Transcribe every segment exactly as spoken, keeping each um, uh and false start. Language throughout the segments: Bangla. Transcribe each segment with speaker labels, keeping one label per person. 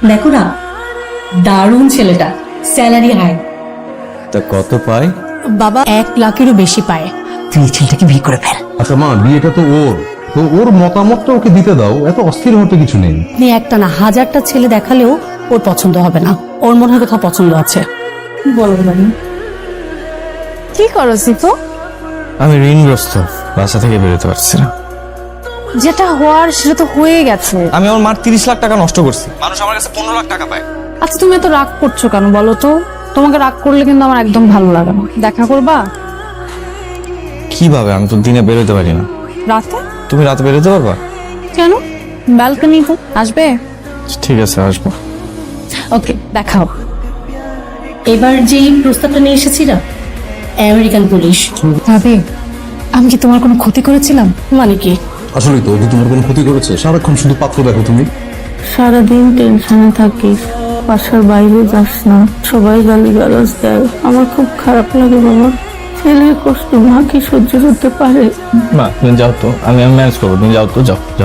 Speaker 1: দেখো না, দারুণ ছেলেটা, স্যালারি হাই।
Speaker 2: তা কত পায়?
Speaker 1: বাবা এক লাখেরও বেশি পায়। তুই ছেলেটাকে বিয়ে করে ফেল।
Speaker 3: আচ্ছা মা, বিয়েটা তো ওর, তো ওর মতামতটা ওকে দিতে দাও, এত অস্থির হতে কিছু নেই।
Speaker 1: আপনি একটা না হাজারটা ছেলে দেখালেও ওর পছন্দ হবে না। ওর মনে হয় কোথাও পছন্দ আছে। বলো না
Speaker 4: কি করো সিফু?
Speaker 2: আমি ঋণগ্রস্ত, বাসা থেকে বেরোতে পারছি না।
Speaker 4: যেটা হওয়ার সেটা তো হয়ে গেছে।
Speaker 2: আমি আমার মার তিরিশ লাখ টাকা নষ্ট করছি, মানুষ আমার কাছে পনেরো লাখ টাকা পায়।
Speaker 4: আচ্ছা তুমি এত রাগ করছো কেন বলো তো? তোমাকে রাগ করলে কিন্তু আমার একদম ভালো লাগে না। দেখা করবা
Speaker 2: কিভাবে? আমি তো দিনে বেরোতে পারি না।
Speaker 4: রাতে?
Speaker 2: তুমি রাতে বেরোতে পারবা?
Speaker 4: কেন? ব্যালকনিতে আসবে?
Speaker 2: ঠিক আছে, আসবো।
Speaker 4: ওকে, দেখাও।
Speaker 1: এবার যেই প্রস্তাবটা নিয়ে এসেছি না, আমেরিকান পুলিশ।
Speaker 4: ভাবি, আমি কি তোমার কোনো ক্ষতি করেছিলাম?
Speaker 1: মানে কি?
Speaker 3: আসলে তো ও কি তোমার কোনো ক্ষতি করেছে? সারাক্ষণ শুধু পাত্র দেখো তুমি।
Speaker 5: সারাদিন টেনশনে থাকিস, বাসার বাইরে যাস না, সবাই গালিগালাজ দেয়, আমার খুব খারাপ লাগে বাবা। ছেলের কষ্ট মা কি সহ্য করতে পারে?
Speaker 2: মা তুমি যাও তো, আমি আমি ম্যানেজ করবো, তুমি যাও তো, যাও যাও।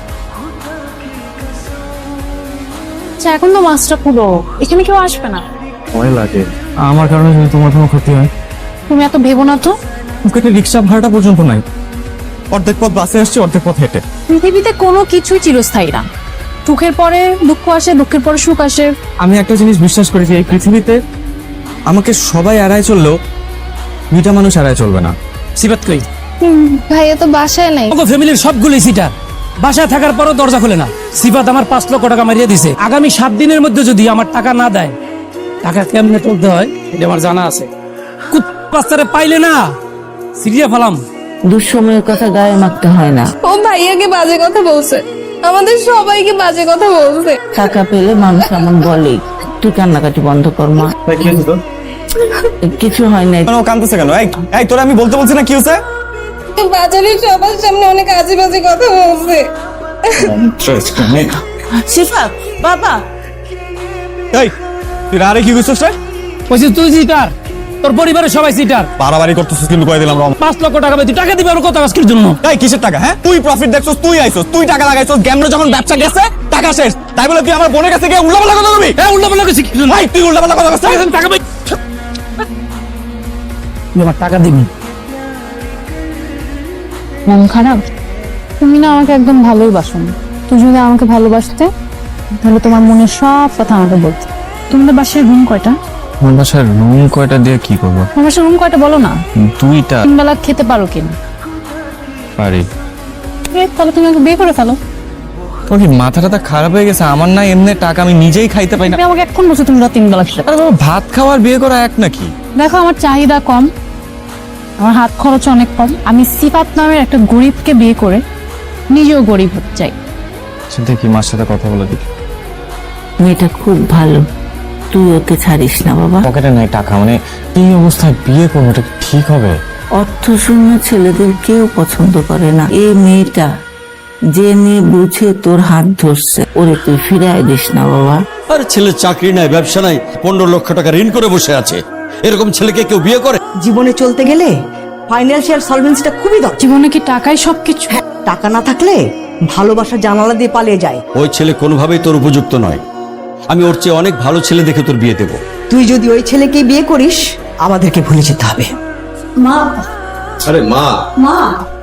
Speaker 4: আচ্ছা এখন তো মাছটা পুরো, এখানে কেউ আসবে না।
Speaker 2: ভয় লাগে আমার কারণে যদি তোমার কোনো ক্ষতি হয়।
Speaker 4: তুমি এত ভেবো না তো।
Speaker 2: পকেটে রিক্সা ভাড়াটা পর্যন্ত নাই, অর্ধেক পথ বাসে আসছে, অর্ধেক পথ হেঁটে।
Speaker 4: পৃথিবীতে কোনো কিছুই চিরস্থায়ী না। সুখের পরে দুঃখ আসে, দুঃখের পরে সুখ আসে।
Speaker 2: আমি একটা জিনিস বিশ্বাস করি যে এই পৃথিবীতে আমাকে সবাই এড়ায় চললেও দুইটা মানুষ এড়ায় চলবে না।
Speaker 6: সিবাত কই?
Speaker 4: ভাইয়া তো বাসায় নাই।
Speaker 6: ওগো ফ্যামিলির সবগুলোই সিটার, বাসায় থাকার পরও দরজা খোলে না। সিফাত আমার পাঁচ লক্ষ টাকা মারিয়ে দিছে। আগামী সাত দিনের মধ্যে যদি আমার টাকা না দেয়, টাকা কেমনে তুলতে হয় এটা আমার জানা আছে। কুত্তারে পাইলে না সিরিয়া ফেলাম।
Speaker 5: দুঃসময়ের কথা গায়ে মাখতে হয় না।
Speaker 4: ও ভাইয়াকে বাজে কথা বলছে, আমাদের সবাইকে বাজে কথা বলছে।
Speaker 5: টাকা পেলে মানুষ এমন বলেই। তুই কান্নাকাটি বন্ধ কর মা, কিছু হয় নাই।
Speaker 2: ও কাঁদতেছে কেন? এই এই তোরা আমি বলতে বলছি না, কি হয়েছে?
Speaker 4: বাজারে সবার সামনে অনেক আজে বাজে কথা বলছে।
Speaker 5: সিফাত বাবা,
Speaker 2: এই তুই আরে কি করছিস রে?
Speaker 6: বলছি তুই সিটার, তোর পরিবারের সবাই সিটার।
Speaker 2: বাড়াবাড়ি করতেছিস কিন্তু কয়ে দিলাম।
Speaker 6: পাঁচ লক্ষ টাকা তুই টাকা দিবি আর কত কাজের জন্য?
Speaker 2: এই কিসের টাকা? হ্যাঁ তুই প্রফিট দেখছস, তুই আইছস, তুই টাকা লাগাইছস। গ্যামরে যখন ব্যবসা গেছে টাকা শেষ, তাই বলে তুই আমার বোনের কাছে গিয়ে উল্টাপাল্টা কথা বলবি?
Speaker 6: এ উল্টা পাল্টা কিছু
Speaker 2: ভাই তুই উল্টাপাল্টা কথা বলছিস।
Speaker 6: টাকা পাই, তুই আমার টাকা দিবি।
Speaker 4: মন খারাপ? তুমি না আমাকে একদম ভালোই বাসো না। তুমি যদি আমাকে ভালোবাসতে তাহলে তোমার মনের সব কথা আমাকে বলতে। তোমাদের বাসায় রুম কয়টা?
Speaker 2: আমার বাসার রুম কয়টা দিয়ে কি করবো?
Speaker 4: তোমার বাসায় রুম কয়টা বলো না।
Speaker 2: দুইটা।
Speaker 4: তিন বেলা খেতে পারো কিনা?
Speaker 2: পারি।
Speaker 4: এ, তাহলে তুমি আমাকে বিয়ে করে ফেলো।
Speaker 2: তোর কি মাথা টাথা খারাপ হয়ে গেছে? আমার না এমনি টাকা, আমি নিজেই খাইতে পাই না।
Speaker 4: তুমি আমাকে এখন বলছো তুমি রাত তিন বেলা খেতে।
Speaker 2: আরে বাবা, ভাত খাওয়ার বিয়ে করা এক নাকি?
Speaker 4: দেখো আমার চাহিদা কম, আমার হাত খরচ অনেক কম। আমি সিফাত নামের একটা গরিবকে বিয়ে করে নিজেও গরিব হতে চাই।
Speaker 2: দেখি মার সাথে কথা বলে দেখি।
Speaker 5: মেয়েটা খুব ভালো, তুই ওকে ছাড়িস না বাবা।
Speaker 2: পকেটে নাই টাকা, মানে এই অবস্থায় বিয়ে করবো, এটা কি ঠিক হবে?
Speaker 5: অর্থ শূন্য ছেলেদের কেউ পছন্দ করে না। এই মেয়েটা জেনে বুঝে তোর হাত ধরছে, ওরে তুই ফিরাই দিস না বাবা।
Speaker 7: আরে ছেলে চাকরি নাই, ব্যবসা নাই, পনেরো লক্ষ টাকা ঋণ করে বসে আছে। এরকম ছেলেকে কেউ বিয়ে করে?
Speaker 8: জীবনে চলতে গেলে ফাইন্যান্সিয়াল সলভেন্সিটা খুবই দরকার।
Speaker 4: জীবনে কি টাকাই সবকিছু?
Speaker 8: হ্যাঁ, টাকা না থাকলে ভালোবাসা জানালা দিয়ে পালিয়ে যায়।
Speaker 7: ওই ছেলে কোনোভাবেই তোর উপযুক্ত নয়। আমি ওর চেয়ে অনেক ভালো ছেলে দেখে তোর বিয়ে দেবো।
Speaker 8: তুই যদি ওই ছেলেকে বিয়ে করিস, আমাদেরকে ভুলে যেতে হবে।
Speaker 1: মা,
Speaker 3: আরে মা,
Speaker 1: মা,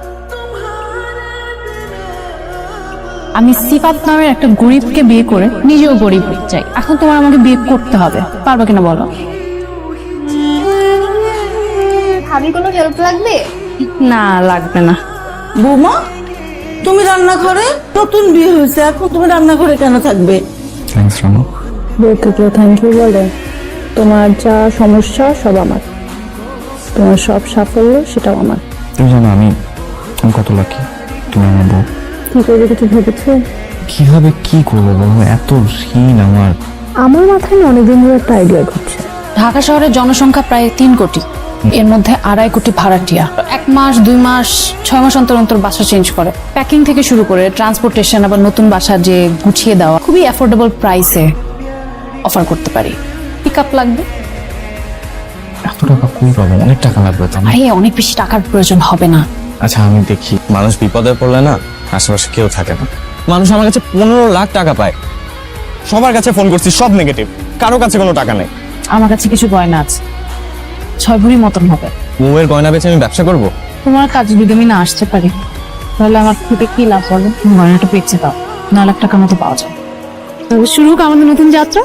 Speaker 4: আমি সিফাত নামের একটা গরিবকে বিয়ে করে নিজেও গরিব হতে চাই। এখন তোমার আমাকে বিয়ে করতে হবে, পারবে কিনা বলো?
Speaker 9: ভাবি কোনো হেল্প লাগবে?
Speaker 4: না লাগবে না।
Speaker 5: বৌমা, তুমি রান্নাঘরে? নতুন বিয়ে হয়েছে, এখন তুমি রান্নাঘরে কেন থাকবে?
Speaker 2: থ্যাঙ্কস রানু।
Speaker 4: বলতে কেউ থ্যাংক ইউ বলে? তোমার যা সমস্যা সব আমার, তোমার সব সাফল্য সেটাও আমার।
Speaker 2: তুমি জানো আমি আমি কত লাকি, তুমি আমার বউ।
Speaker 4: কি করবে কিছু ভেবেছো?
Speaker 2: কিভাবে কি করবো বলো? এত ঋণ আমার।
Speaker 4: আমার মাথায় না অনেকদিন ধরে একটা আইডিয়া ঘুরছে। ঢাকা শহরের জনসংখ্যা প্রায় তিন কোটি, এর মধ্যে আড়াই কোটি ভাড়াটিয়া। এক মাস দুই মাস ছয় মাস অন্তর অন্তর বাসা চেঞ্জ করে। প্যাকিং থেকে শুরু করে ট্রান্সপোর্টেশন, আবার নতুন বাসা যে গুছিয়ে দেওয়া, খুবই অ্যাফোর্ডেবল প্রাইসে অফার করতে পারি। পিক আপ লাগবে?
Speaker 2: এত টাকা কই পাবো? অনেক টাকা লাগবে তো।
Speaker 4: আরে অনেক বেশি টাকার প্রয়োজন হবে না।
Speaker 2: আচ্ছা আমি দেখি, মানুষ বিপদে পড়লে না আশেপাশে কেউ থাকে না। মানুষ আমার কাছে পনেরো লাখ টাকা পায়, সবার কাছে ফোন করছি, সব নেগেটিভ, কারো কাছে কোনো টাকা নেই।
Speaker 4: আমার কাছে কিছু গয়না আছে, ছয় ভরি মতন হবে।
Speaker 2: বউয়ের গয়না বেচে আমি ব্যবসা করব?
Speaker 4: তোমার কাজ যদি আমি না আসতে পারি তাহলে আমার থেকে কি লাভ হবে? গয়নাটা বেচে দাও, নয় লাখ টাকার মতো পাওয়া যায়। তবে শুরু হোক আমাদের নতুন যাত্রা।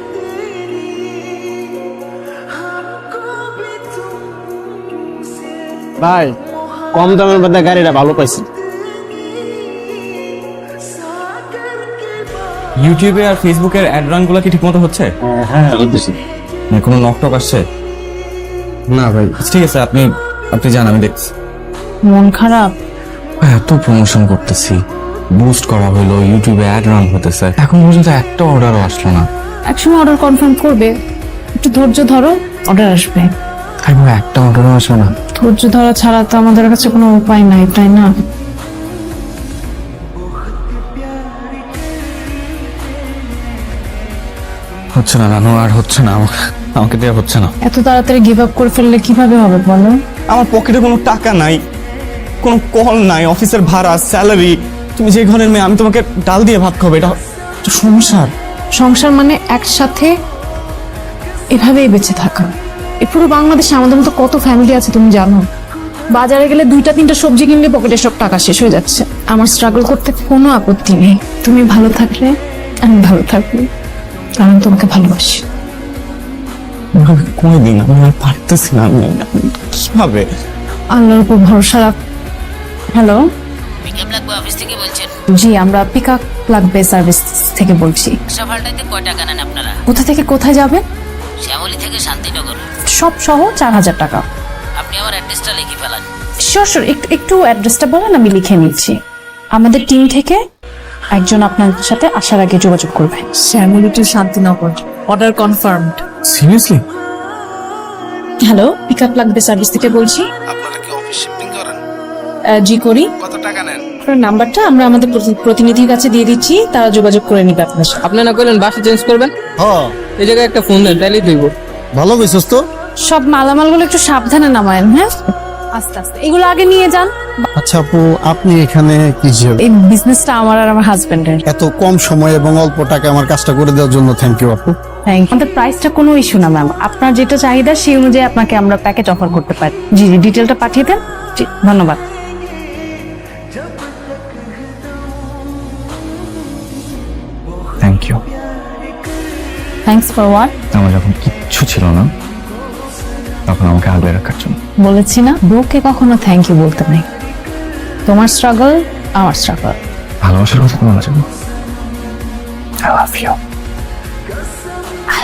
Speaker 2: ভাই, কম দামের মধ্যে গাড়িটা ভালো পাইছি। ইউটিউবে আর ফেসবুকের অ্যাড রান গুলো কি ঠিকমতো হচ্ছে?
Speaker 3: হ্যাঁ বুঝতেছি।
Speaker 2: মানে কোনো নক টক আসছে?
Speaker 3: না ভাই,
Speaker 2: ঠিক আছে, আপনি আপনি যান, আমি দেখছি।
Speaker 4: মন খারাপ?
Speaker 2: এত প্রমোশন করতেছি, বুস্ট করা হলো, ইউটিউবে অ্যাড রান হতেছে, এখন পর্যন্ত একটা অর্ডারও আসলো না।
Speaker 4: একসময় অর্ডার কনফার্ম করবে, একটু ধৈর্য ধরো, অর্ডার আসবে।
Speaker 2: এখন একটা অর্ডারও আসবে না।
Speaker 4: ধৈর্য ধরা ছাড়া তো আমাদের কাছে কোনো উপায় নাই, তাই না?
Speaker 2: হচ্ছে না নানু, আর হচ্ছে না, আমাকে আমাকে দেওয়া হচ্ছে না।
Speaker 4: এত তাড়াতাড়ি গিভ আপ করে ফেললে কিভাবে হবে বলো?
Speaker 2: আমার পকেটে কোনো টাকা নাই, কোনো কল নাই, অফিসের ভাড়া, স্যালারি। তুমি যে ঘরের মেয়ে, আমি তোমাকে ডাল দিয়ে ভাত খাবো, এটা তো সংসার।
Speaker 4: সংসার মানে একসাথে এভাবেই বেঁচে থাকা। এই পুরো বাংলাদেশে আমাদের মতো কত ফ্যামিলি আছে তুমি জানো? বাজারে গেলে দুইটা তিনটা সবজি কিনলে পকেটে সব টাকা শেষ হয়ে যাচ্ছে। আমার স্ট্রাগল করতে কোনো আপত্তি নেই, তুমি ভালো থাকলে আমি ভালো থাকবো, কারণ তোমাকে ভালোবাসি।
Speaker 2: কোন দিন আমি আর পারতেছি না, আমি কিভাবে?
Speaker 4: আল্লাহর উপর ভরসা রাখ। হ্যালো,
Speaker 10: পিকআপ লাগবে অফিস থেকে বলছেন?
Speaker 4: জি, আমরা পিক আপ লাগবে সার্ভিস থেকে বলছি।
Speaker 10: সকালটাতে কয় টাকা নেন আপনারা?
Speaker 4: কোথা থেকে কোথায় যাবেন?
Speaker 10: শ্যামলী থেকে শান্তিনগর।
Speaker 4: সব সহ চার হাজার টাকা।
Speaker 10: আপনি আমার অ্যাড্রেসটা লিখে ফেলান।
Speaker 4: শিওর শিওর, একটু একটু অ্যাড্রেসটা বলেন, আমি লিখে নিচ্ছি। আমাদের টিম থেকে একজন আপনার সাথে আসার আগে যোগাযোগ করবে। Shyamoli to Shantinagar, order confirmed.
Speaker 2: Seriously?
Speaker 4: Hello, pick up লাগবে সার্ভিস থেকে বলছি।
Speaker 3: আপনারা কি অফিস শিফটিং করেন?
Speaker 4: জি করি।
Speaker 3: কত টাকা নেন?
Speaker 4: আপনার নাম্বারটা আমরা আমাদের প্রতি- প্রতিনিধির কাছে দিয়ে দিচ্ছি, তারা যোগাযোগ করে নিবে আপনার সাথে।
Speaker 6: আপনি না কইলেন বাসা চেঞ্জ করবেন?
Speaker 3: হ্যাঁ,
Speaker 6: এই জায়গায় একটা ফোন দেন, তাইলেই দইব।
Speaker 3: ভালো হইছস তো।
Speaker 4: সব মালামালগুলো একটু সাবধানে নামায়েন, হ্যাঁ? আস্তে আস্তে এগুলো আগে নিয়ে যান।
Speaker 3: আচ্ছা আপু, আপনি এখানে কি হিসেবে?
Speaker 4: এই বিজনেসটা আমার আর আমার হাজবেন্ডের।
Speaker 3: এত কম সময় এবং অল্প টাকা আমার কাজটা করে দেওয়ার জন্য থ্যাংক ইউ আপু।
Speaker 4: Thank you. আমাদের প্রাইসটা কোনো ইস্যু না ম্যাম, আপনার যেটা চাহিদা সেই অনুযায়ী আপনাকে আমরা প্যাকেজ অফার করতে পারি। জি জি, ডিটেলটা পাঠিয়ে দেন। জি, ধন্যবাদ।
Speaker 2: Thank you.
Speaker 4: Thanks for what?
Speaker 2: আমার যখন কিচ্ছু ছিল না, তখন আমাকে আগলে রাখার জন্য।
Speaker 4: বলেছি না, বউকে কখনো থ্যাংক ইউ বলতে নেই। তোমার স্ট্রাগল আমার স্ট্রাগল।
Speaker 2: ভালোবাসার কথা তোমার জন্য। I love you.
Speaker 4: আই